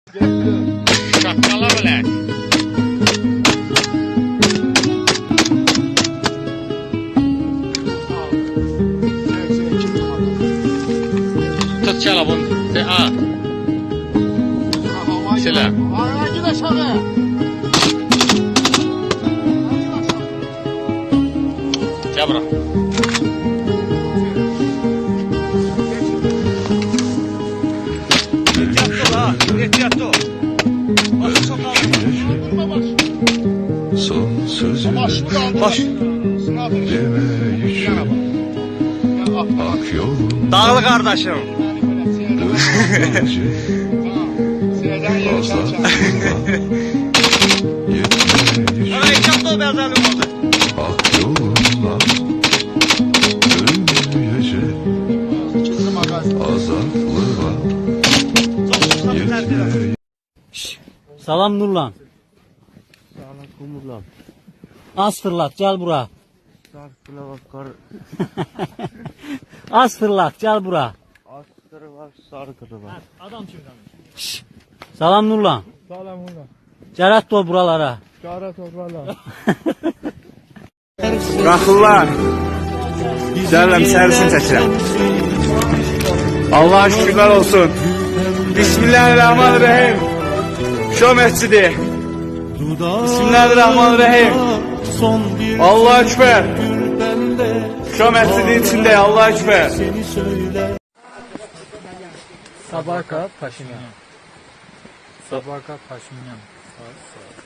Şapkala bile. Tut çala bunu. A. Selam. Git aşağıya. Gel bırak. Ehtiyatlı ol. Son sözü Baş. demeyi ak yolun Dağlı kardeşim. gece azatlığa yetmeyi Bana ehtiyatlı ol benzerim oldu. ak yolunla ölmeyecek azatlığa yetmeyi Salam Nurlan. Az fırlat gel bura. Az fırlat gel bura. Adam kimden? Salam Nurlan. Salam ulan. Cərat ol buralara. Çağrı toprağla. Bırakırlar. Güzellem servisini çəkirəm. Allah'a şükürler olsun. Bismillahirrahmanirrahim. Şo mescidi. Bismillahirrahmanirrahim. Allah'a ekber. Şo mescidin içinde Allah'a ekber. Sabahat Paşinyan. Sabahat Paşinyan.